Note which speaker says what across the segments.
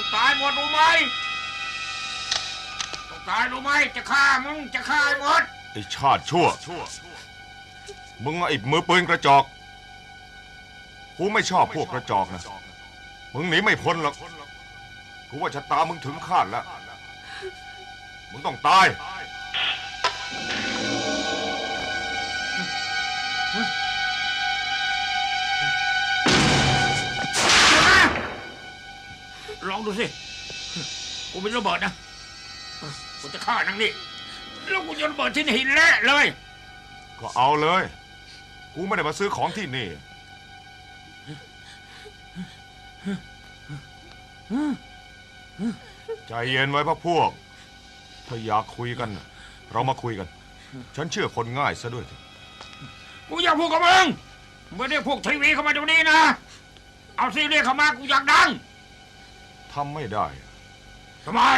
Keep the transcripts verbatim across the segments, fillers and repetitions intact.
Speaker 1: ต้องตายหมดรู้ไหมต้องตายรู้ไหมจะฆ่ามึงจะฆ่าหมด
Speaker 2: ไอ้ชาติชั่วมึงไอ้มือปืนกระจอกกูไม่ชอบพวกกระจอกนะมึงหนีไม่พ้นหรอกกูว่าชะตามึงถึงคาดแล้วมึงต้องตาย
Speaker 1: ลองดูสิกูมีระเบิดนะกูจะฆ่านางนี่แล้วกูโยนระเบิดที่หินแร่เลย
Speaker 2: ก็เอาเลยกูไม่ได้มาซื้อของที่นี่ใจเย็นไว้พวกพวกถ้าอยากคุยกันเรามาคุยกันฉันเชื่อคนง่ายซะด้วย
Speaker 1: กูอยากพูดกับมึงไม่ได้พวกทีวีเข้ามาตรงนี้นะเอาซีเรียสเข้ามากูอยากดัง
Speaker 2: ทำไม่ได้
Speaker 1: ทำไม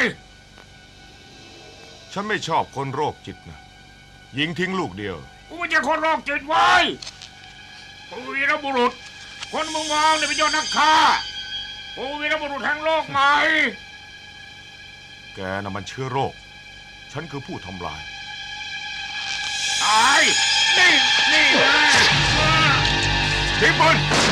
Speaker 2: ฉันไม่ชอบคนโรคจิตนะยิงทิ้งลูกเดียว
Speaker 1: กูไม่ใช่คนโรคจิตไว้กูวีรบุรุษคนมึงมองเนี่ยเป็นยอดนักฆ่ากูวีรบุรุษแห่งโลกใหม่
Speaker 2: แกน่ะมันเชื้อโรคฉันคือผู้ทำลาย
Speaker 1: ตายนี่นี่เลย
Speaker 2: ทิ้งปืน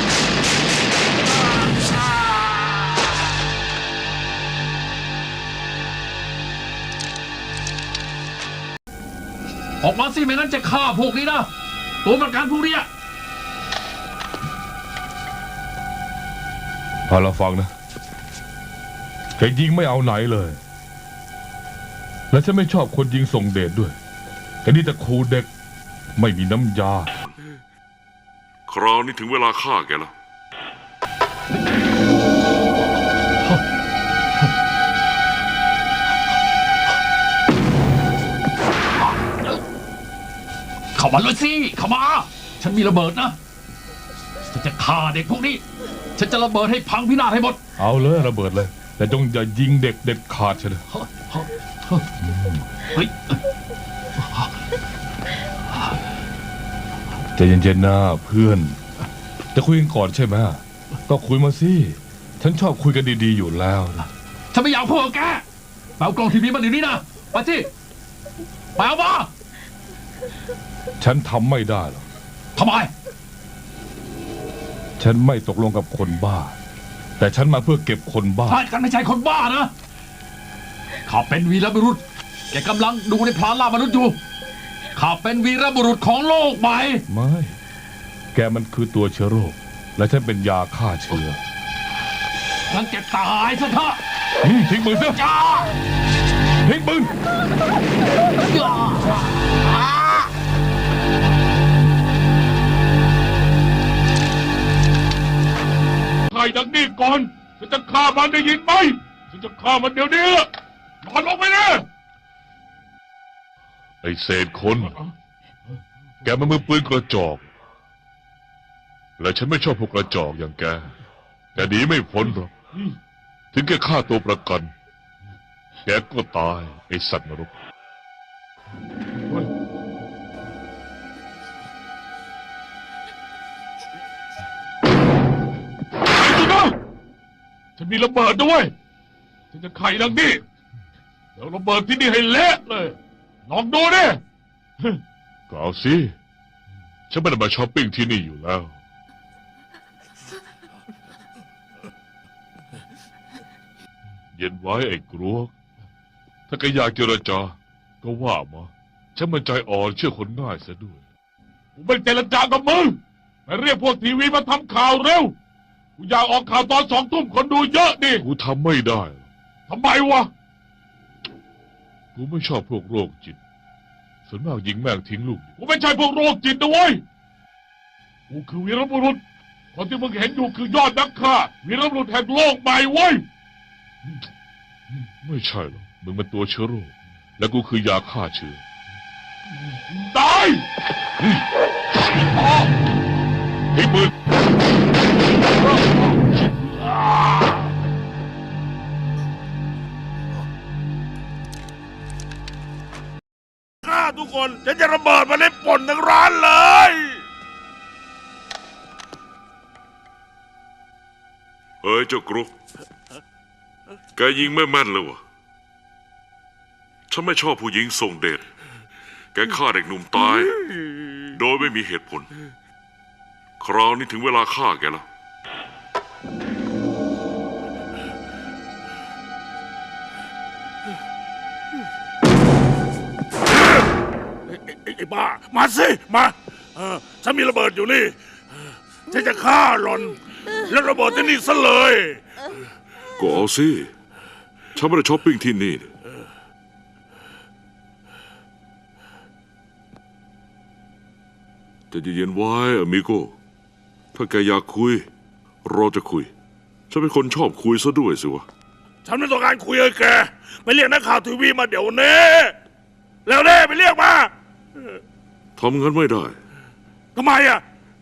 Speaker 3: ออกมาสิไม่งั้นจะฆ่าพวกนี้นะตัวประกันพวกนี้
Speaker 4: เอาละฟังนะแกยิงไม่เอาไหนเลย และฉันไม่ชอบคนยิงส่งเดชด้วยแต่นี่แต่ครูเด็กไม่มีน้ำยา
Speaker 5: คราวนี้ถึงเวลาฆ่าแกแล้ว
Speaker 3: เข้ามาเลยสิเข้ามาฉันมีระเบิดนะฉันจะฆ่าเด็กพวกนี้ฉันจะระเบิดให้พังพินาศให้หมด
Speaker 4: เอาเลยระเบิดเลยแต่จงอย่ายิงเด็กเด็ดขาดเฉย
Speaker 3: เฮ้ย
Speaker 4: ใจเย็นๆนะเพื่อนจะคุยกันก่อนใช่ไหมก็คุยมาสิฉันชอบคุยกันดีๆอยู่แล้วนะ
Speaker 3: ฉันไม่อยากพูดกับแกไปเอากล่องทีวีมาเดี๋ยวนี้นะไปสิไปเอามา
Speaker 4: ฉันทำไม่ได้หรอก
Speaker 3: ทำไม
Speaker 4: ฉันไม่ตกลงกับคนบ้าแต่ฉันมาเพื่อเก็บคนบ้า
Speaker 3: ฉันไม่ใช่คนบ้านะข้าเป็นวีรบุรุษแกกำลังดูในพลานล่ามนุษย์อยู่ข้าเป็นวีรบุรุษของโลกใหม่
Speaker 4: ไม่แกมันคือตัวเชื้อโรคและฉันเป็นยาฆ่าเชื้อ
Speaker 3: งั้นแกตายซะเถอะ
Speaker 4: ทิ้งปืนซะ
Speaker 3: จ้า
Speaker 4: ทิ้งปืน
Speaker 5: ฆ่าดังนี้ก่อนฉันจะฆ่ามันได้ยินไหมฉันจะฆ่ามันเดี๋ยวนี้นอนลงไปเลยไอ้เศษคนแกมันมือปืนกระจอกและฉันไม่ชอบพวกกระจอกอย่างแกแกหนีไม่พ้นหรอกถึงแกฆ่าตัวประกันแกก็ตายไอ้สัตว์นรกฉันมีระเบิดด้วยฉันจะไขดังนี้แล้วระเบิดที่นี่ให้เละเลยลองดูดิก็เอาสิฉันไม่ได้มาช้อปปิ้งที่นี่อยู่แล้วเย็นไว้ไอ้กรวกถ้าแกอยากเจรจาก็ว่ามาฉันมันใจอ่อนเชื่อคนง่ายซะด้วยกูไม่เจรจากับมึงไปเรียกพวกทีวีมาทำข่าวเร็วกูอยากออกข่าวตอนสองทุ่มคนดูเยอะดิกูทำไม่ได้ทำไมวะกูไม่ชอบพวกโรคจิตส่วนมากยิงแม่งทิ้งลูกกูไม่ใช่พวกโรคจิตนะเว้ยกูคือวีรบุรุษคนที่มึงเห็นอยู่คือยอดนักฆ่าวีรบุรุษแห่งโลกใหม่เว้ยไม่ใช่หรอกมึงเป็นตัวเชื้อโรคและกูคือยาฆ่าเชื้อตายทิ้งปืน
Speaker 2: ฆ่าทุกคนฉันจะระเบิดมาเล่นป่นทั้งร้านเลย
Speaker 5: เฮ้ยเจ้ากรุ๊ป
Speaker 6: แกยิงไม่แม่นเลยวะฉันไม่ชอบผู้หญิงส่งเดช แกฆ่าเด็กหนุ่มตาย โดยไม่มีเหตุผล คราวนี้ถึงเวลาฆ่าแกแล้ว
Speaker 1: ไอ้ไอ้บ้า มาสิ มาเออฉันมีระเบิดอยู่นี่ ฉันจะฆ่าหลอน แล้วระเบิดที่นี่ซะเลย
Speaker 6: ก็เอาสิ ฉันไม่ได้ช้อปปิ้งที่นี่ แต่เย็นๆไว้อมิโก ถ้าแกอยากคุย เราจะคุย ฉันเป็นคนชอบคุยซะด้วยสิวะ
Speaker 1: ฉันไม่ต้องการคุยกับแก ไปเรียกนักข่าวทีวีมาเดี๋ยวนี้แล้วเน่ไปเรียกมา
Speaker 6: ทำงั้นไม่ได้
Speaker 1: ทำไมอ่ะ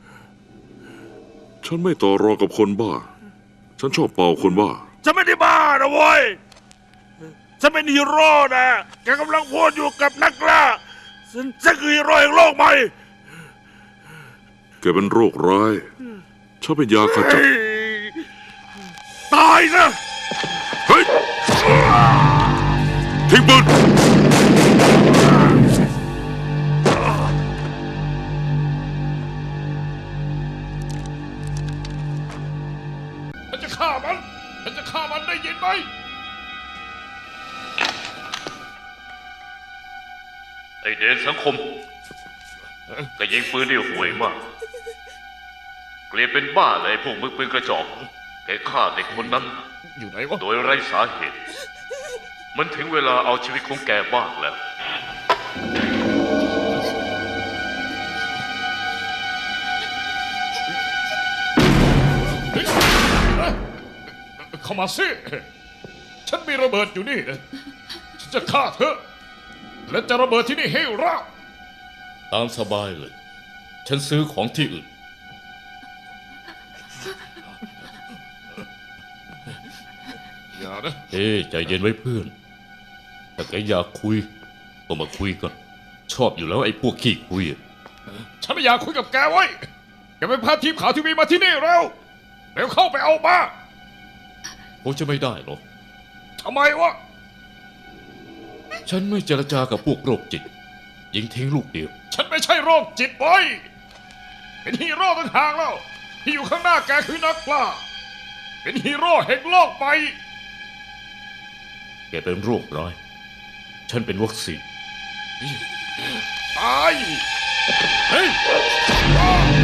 Speaker 6: ฉันไม่ต่อรองกับคนบ้า ฉันชอบเป่าคนบ้า
Speaker 1: ฉันไม่ได้บ้านะเว้ย ฉันเป็นฮีโร่นะ แกกำลังพูดอยู่กับนักล่าฉันฉันคือฮีโร่แห่งโลกใหม่
Speaker 6: แกเป็นโรคร้าย ฉันเป็นยาขจัด
Speaker 1: เฮ้ยตายนะ
Speaker 6: เฮ้ย ทิ้งปืน
Speaker 5: ฉันจะฆ่ามัน ฉันจะฆ่ามันได้ยินไหม
Speaker 7: ไอเดนสังคมก็ยิงปืนได้ห่วยมาก เกลียดเป็นบ้าเลยพวกมึงปืนกระจอกแกฆ่าเด็กคนนั้น
Speaker 5: อยู่ไหนวะ
Speaker 7: โดยไร้สาเหตุ มันถึงเวลาเอาชีวิตของแกบ้างแล้ว
Speaker 5: เข้ามาสิ ฉันมีระเบิดอยู่นี่ ฉันจะฆ่าเธอ และจะระเบิดที่นี่ให้ราบ
Speaker 8: ตามสบายเลย ฉันซื้อของที่อื่น
Speaker 5: อย่านะ
Speaker 8: เฮ้ยใจเย็นไว้เพื่อน ถ้าแกอยากคุยก็มาคุยกัน ชอบอยู่แล้วไอ้พวกขี้คุยอะ
Speaker 5: ฉันไม่อยากคุยกับแกไว้ แกไปพาทีมข่าวทีวีมาที่นี่เร็ว เร็วเข้าไปเอามา
Speaker 8: คงจะไม่ได้หรอก
Speaker 5: ทำไมวะ
Speaker 8: ฉันไม่เจรจากับพวกโรคจิต ยิงทิ้งลูกเดียว
Speaker 5: ฉันไม่ใช่โรคจิตไว้ยเป็นฮีโร่ต่างหากแล้ว ที่อยู่ข้างหน้าแกคือนักกล้า เป็นฮีโร่แห่งโลกใหม่
Speaker 8: แกเป็นโรคร้าย ฉันเป็นวัคซีน
Speaker 5: ตาย เฮ้ย